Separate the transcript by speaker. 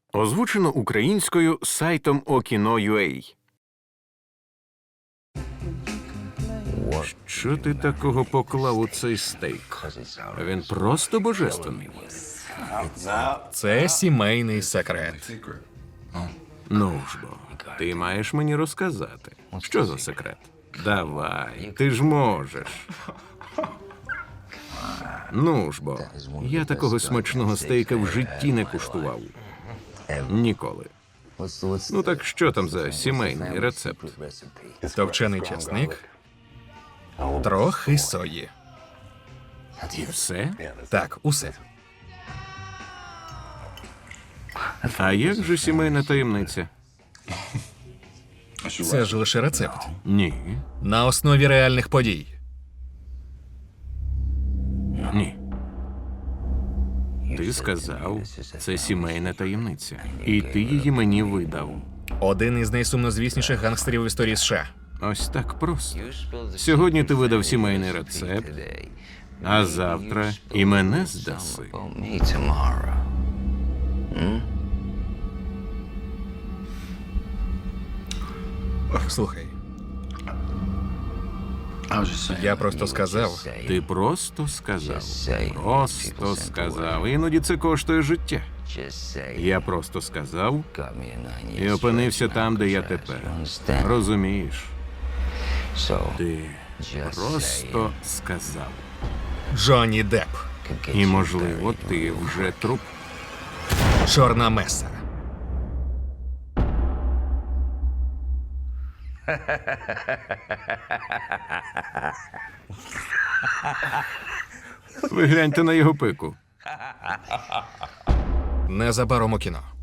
Speaker 1: Озвучено українською сайтом Okino.ua. Що ти такого поклав у цей стейк? Він просто божественний.
Speaker 2: Це сімейний секрет.
Speaker 1: Ну ж бо, ти маєш мені розказати. Що за секрет? Давай, ти ж можеш. Ну ж бо, я такого смачного стейка в житті не куштував. Ніколи. Ну так що там за сімейний рецепт?
Speaker 2: Товчений часник, трохи сої.
Speaker 1: І все?
Speaker 2: Так, усе.
Speaker 1: А як же сімейна таємниця?
Speaker 2: Це ж лише рецепт.
Speaker 1: Ні.
Speaker 2: На основі реальних подій.
Speaker 1: Ні. Ти сказав, це сімейна таємниця. І ти її мені видав.
Speaker 2: Один із найсумнозвісніших гангстерів в історії США.
Speaker 1: Ось так просто. Сьогодні ти видав сімейний рецепт, а завтра і мене здаси.
Speaker 2: Слухай, я просто сказав.
Speaker 1: Ти просто сказав. Просто сказав. Іноді це коштує життя. Я просто сказав і опинився там, де я тепер. Розумієш? Ти просто сказав.
Speaker 2: Джонні Депп.
Speaker 1: І, можливо, ти вже труп.
Speaker 2: Чорна меса.
Speaker 1: Ви гляньте на його пику.
Speaker 2: Незабаром у кіно.